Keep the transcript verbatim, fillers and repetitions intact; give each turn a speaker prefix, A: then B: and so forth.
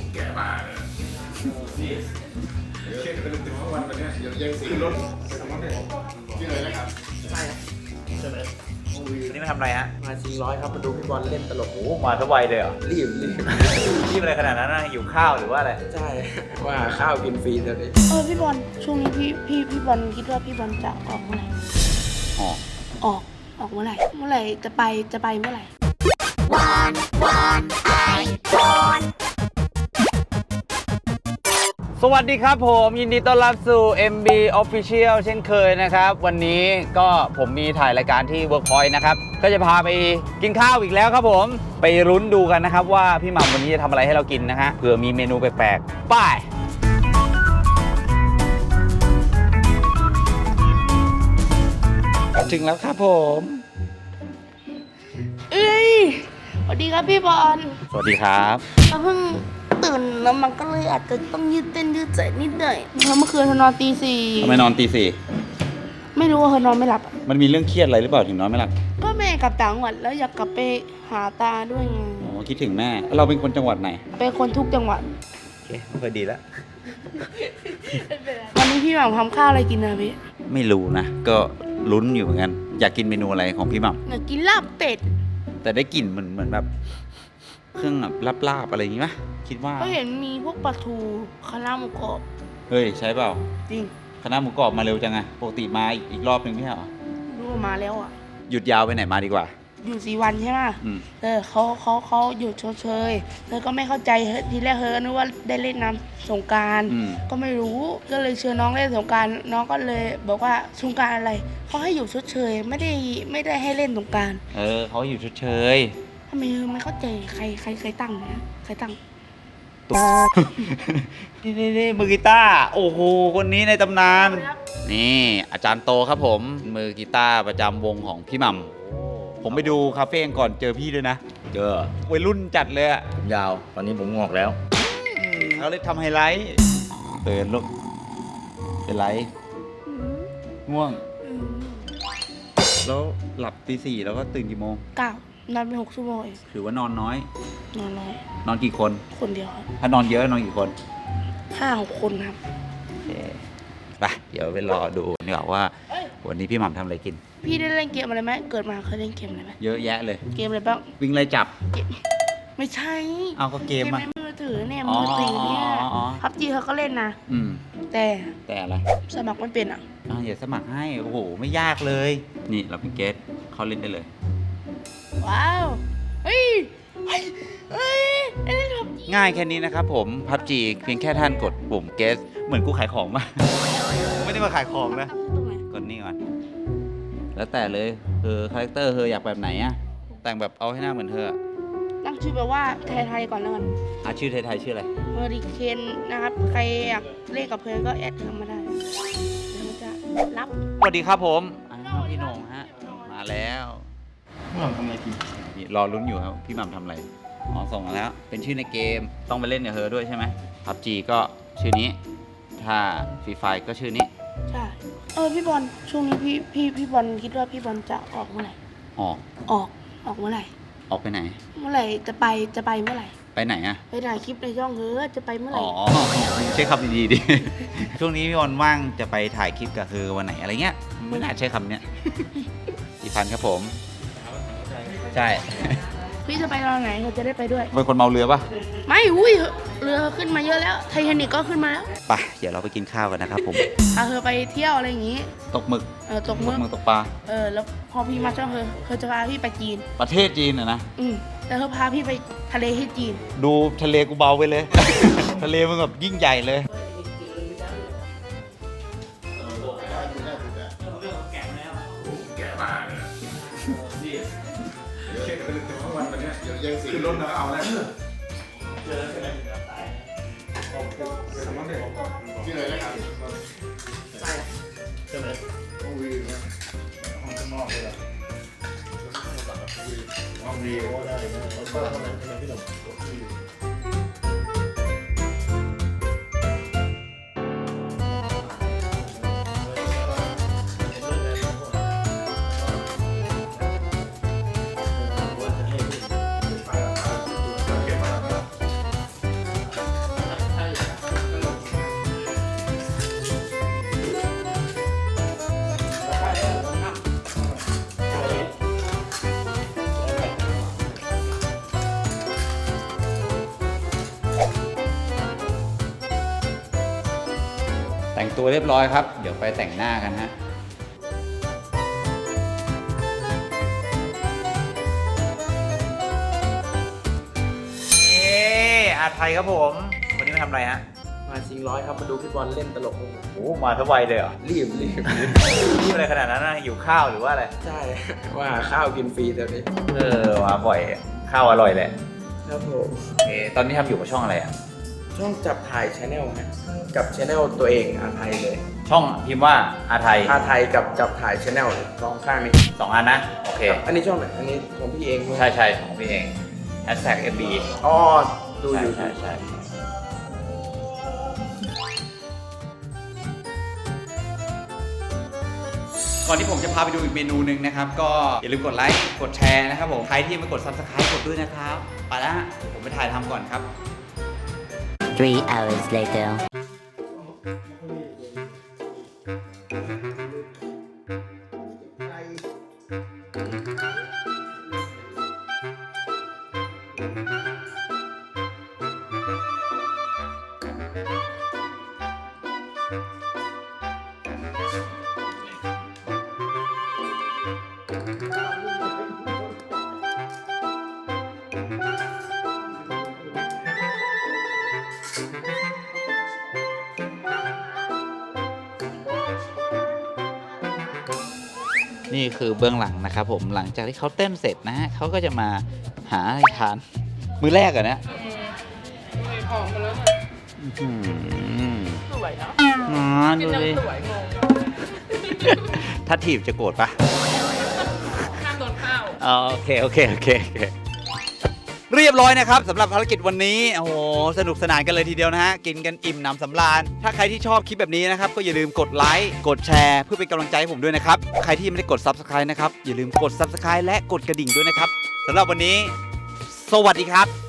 A: แก่มากเลยนี่เช็คเป็นถึงวันวันนี้เดี๋ยวยังซื้อรถไปทำรถได้ที่ไหนนะครับใช่ใช่ไหม
B: วันนี้มาทำอะไรฮะ
C: มาชิงร้อยครับมาดูพี่บอลเล่นตลก
B: โอ้มาทุกวัยเลยเหรอ
C: รีบรีบ
B: รีบอะไรขนาดนั้นนะหิวข้าวหรือว่าอะไร
C: ใช่ว่าข้าวกินฟรีเดี๋ยวนี้
D: เออพี่บอลช่วงนี้พี่พี่พี่บอลคิดว่าพี่บอลจะออกเมื่อไหร่
B: ออก
D: ออกออกเมื่อไหร่เมื่อไหร่จะไปจะไปเมื่อไหร่ว
B: านวานไอคอนสวัสดีครับผมยินดีต้อนรับสู่ เอ็ม บี Official เช่นเคยนะครับวันนี้ก็ผมมีถ่ายรายการที่ Workpoint นะครับก็จะพาไปกินข้าวอีกแล้วครับผมไปลุ้นดูกันนะครับว่าพี่หม่ำวันนี้จะทำอะไรให้เรากินนะฮะเผื่อมีเมนูแปลกๆป้าย
C: ถึงแล้วครับผม
D: เอ้ยสวัสดีครับพี่บอล
B: สวัสดีครับ
D: เราเพิ่งตื่นแล้วมันก็เลยอาจจะต้องยืดเต้นยืดใจนิดหน่อยเพราะเมื่อคืนเธอนอนตีสี่
B: ทำไมนอนตีสี่
D: ไม่รู้ว่าเธอนอนไม่หลับ
B: มันมีเรื่องเครียดอะไรหรือเปล่าถึงนอนไม่หลับ
D: ก็แม่กลับต่างจังหวัดแล้วอยากกลับไปหาตาด้วยไง
B: อ๋อคิดถึงแม่เราเป็นคนจังหวัดไหน
D: เป็นคนทุกจังหวัด
B: โอเคพอดีแล้ว
D: วันนี้พี่หม่ำทำข้าวอะไรกินนะพี่
B: ไม่รู้นะก็ลุ้นอยู่เหมือนกันอยากกินเมนูอะไรของพี่หม่ำ
D: อยากกินลาบเป็ด
B: แต่ได้กลิ่นเหมือนเหมือนแบบเครื่องแบบลาบๆอะไรอย่างงี้ไหมคิดว่า
D: ก็เห็นมีพวกปลาทูคณะหมูกรอบ
B: เฮ้ยใช่เปล่า
D: จริง
B: คณะหมูกรอบมาเร็วจังไงปกติมาอีกรอบหนึ่งไม่ใช่เหรอ
D: รู้มาแล้วอ่ะ
B: หยุดยาวไปไหนมาดีกว่า
D: อยู่สี่วันใช่ไหมเออเขาเขาเขาหยุดชดเชยเธอก็ไม่เข้าใจทีแรกเธอนึกว่าได้เล่นน้ำสงกรานต์ก็ไม่รู้ก็เลยเชิญน้องเล่นสงกรานต์น้องก็เลยบอกว่าสงกรานต์อะไรเขาให้อยู่ชดเชยไม่ได้ไม่ได้ให้เล่นสงกรานต์
B: เออเขาอยู่ชดเชย
D: ทำไมไม่เข้าใจใครใครใครตั้งเนี่ยใครตั้ง
B: นี่นี่นี่มือกีตาร์โอ้โหคนนี้ในตำนานนี่อาจารย์โตครับผมมือกีตาร์ประจำวงของพี่หม่ำผมไปดูคาเฟ่ก่อนเจอพี่ด้วยนะ
C: เจอ
B: วัยรุ่นจัดเลยอะ
C: ผมยาวตอนนี้ผมงอกแล้ว
B: เขาเลยทำไฮไลท์เตือนลูกเป็นไรง่วงแล้วหลับตีสี่แล้วก็ตื่นกี่โมง
D: เก้านอนไปหกชั่วโมง
B: ถือว่านอนน้อย
D: นอนน้อย
B: นอนกี่คน
D: คนเดียวครับ
B: ถ้านอนเยอะนอนกี่คน
D: ห้าหกคนครับ
B: ไปเดี๋ยวไปรอดูดีกว่าว่าวันนี้พี่หม่ำทำอะไรกิน
D: พี่ได้เล่นเกมอะไรไหมเกิดมาเคยเล่นเกมอะไรไหม
B: เยอะแยะเลย
D: เกมอะไรบ้าง
B: วิ่งไล่จับ
D: ไม่ใช่
B: เอาก็เกม
D: ในมือถือเนี่ยมือถือเนี่ยพับจีเขาก็เล่นนะแต่
B: แต่อะไร
D: สมัครไม่เป็นอ่ะ
B: อ่าอย่าสมัครให้โอ้โหไม่ยากเลยนี่เราเป็นเกสเขาเล่นได้เลย
D: ว้าวเฮ้ยเฮ้ยเฮ้ย
B: ง่ายแค่นี้นะครับผมพับจีเพียงแค่ท่านกดปุ่มเกสเหมือนกูขายของมาไม่ได้มาขายของนะกดนี่ก่อนแล้วแต่เลยเออคาแรคเตอร์เธออยากแบบไหนอะแต่งแบบเอาให้หน้าเหมือนเธอ
D: ตั้งชื่อแบบว่าไทยๆก่อนแล้วกัน
B: อ่ะชื่อไทยๆชื่ออะไร
D: เฮอริเคนนะครับใครอยากเล่นกับเพื่อนก็แอดเธอมาได้เดี๋ยวจะรับ
B: สวัสดีครับผมพี่โหน่งฮะมาแล้ว
C: พี่หม่ำทำอะไรกิน
B: นี่รอลุ้นอยู่ครับพี่หม่ำทำอะไรอ๋อส่งมาแล้วเป็นชื่อในเกมต้องไปเล่นกับเธอด้วยใช่ไหมพับจีก็ชื่อนี้ถ้าฟรีไฟก็ชื่อนี้
D: ใช่เออพี่บอลช่วงนี้พี่พี่พี่บอลคิดว่าพี่บอลจะออกเมื่อไหร่
B: ออก
D: ออกออกเมื่อไหร่
B: ออกไปไหน
D: เมื่อไหร่จะไปจะไปเมื่อไหร่
B: ไปไหนอะ
D: ไปถ่ายคลิปในช่องเธอจะไปเมื่อไหร่
B: อ๋อใช้คำดีๆดิช่วงนี้พี่บอลว่างจะไปถ่ายคลิปกับเธอวันไหนอะไรเงี้ยไม่น่าใช้คำเนี้ยอีพันครับผมใช่
D: พี่จะไปตอนไหนเขาจะได้ไปด้วย
B: เป็นคนเมาเรือปะ
D: ไม่อุ้ยเรือขึ้นมาเยอะแล้วไททานิคก็ขึ้นมาแล้ว
B: ไปเดี๋ยวเราไปกินข้าวกันนะครับผม
D: พาเธอไปเที่ยวอะไรอย่างงี้
B: ตกหมึก
D: เออตกหมึก
B: ตกปลา
D: เออแล้วพอพี่มาช่องเธอเธอจะพาพี่ไปจีน
B: ประเทศจีนอะนะ
D: อืมแต่เธอพาพี่ไปทะเลที่จีน
B: ดูทะเลกูเบาไปเลย ทะเลมึงแบบยิ่งใหญ่เลย
A: แก่มากเลยนี่เช็คเป็นถึงวันวันนี้เดี๋ยวยังซื้อรถแล้วเอาแล้วเจอใช่ไหมตายสมมติเนี่ยที่ไหนนะครับใช่ใช่ไหมห้องวีนะห้องข้างนอกเลยล่ะห้องวีก็ได้นะแล้วก็ทำไมทำไมพี่หนุ่มกดที่
B: แต่งตัวเรียบร้อยครับ เดี๋ยวไปแต่งหน้ากันฮะนี่อาไทยครับผมวันนี้มาทำอะไรฮะ
C: มาชิงร้อยครับ มาดูพี่บอลเล่นตลก
B: โอ้มาทั้งวัยเลยเหรอ
C: รีบรีบ
B: นี่อะไรขนาดนั้นนะหิวข้าวหรือว่าอะไร
C: ใช่ ว่าหาข้าวกินฟรีเดี๋ยวนี้
B: เออมาบ่อยข้าวอร่อยแหละ
C: ครับผม
B: โอเคตอนนี้ทำอยู่กับช่องอะไรอ่ะ
C: ช่องจับถ่ายชาแนลฮะกับชาแนลตัวเองอาไทยเลย
B: ช่องพิมพ์ว่าอาไทย
C: อาไทยกับจับถ่ายชาแนลสองข้างนี้
B: สองอันนะ โอเค
C: อันนี้ช่องไหนอันนี้ของพี่เองไหม
B: ใช่ใช่ของพี่เองแฮชแท็กเอ็มบี
C: อ๋อดูอยู่
B: ใช่ใช่ก่อนที่ผมจะพาไปดูอีกเมนูหนึ่งนะครับ ก็อย่าลืมกดไลค์กดแชร์นะครับผมใครที่ยังไม่กด ซับสไครบ์ กดด้วยนะครับไปแล้วฮะเดี๋ยวผมไปถ่ายทำก่อนครับ
E: Three hours later.
B: นี่คือเบื้องหลังนะครับผมหลังจากที่เขาเต้นเสร็จนะฮะเขาก็จะมาหาอะไรทาน มือแรกอะนะ
D: หอมมาแล้ว
B: สวยเนาะอ๋อดูดิถ้าถีบจะโกรธปะ
D: ข้ามโดนข้าว
B: อ๋อโอเคโอเคโอเคโอเคเรียบร้อยนะครับสำหรับภารกิจวันนี้โอ้โหสนุกสนานกันเลยทีเดียวนะฮะกินกันอิ่มหนำสำราญถ้าใครที่ชอบคลิปแบบนี้นะครับก็อย่าลืมกดไลค์กดแชร์เพื่อเป็นกำลังใจให้ผมด้วยนะครับใครที่ยังไม่ได้กด ซับสไครบ์ นะครับอย่าลืมกด ซับสไครบ์ และกดกระดิ่งด้วยนะครับสำหรับวันนี้สวัสดีครับ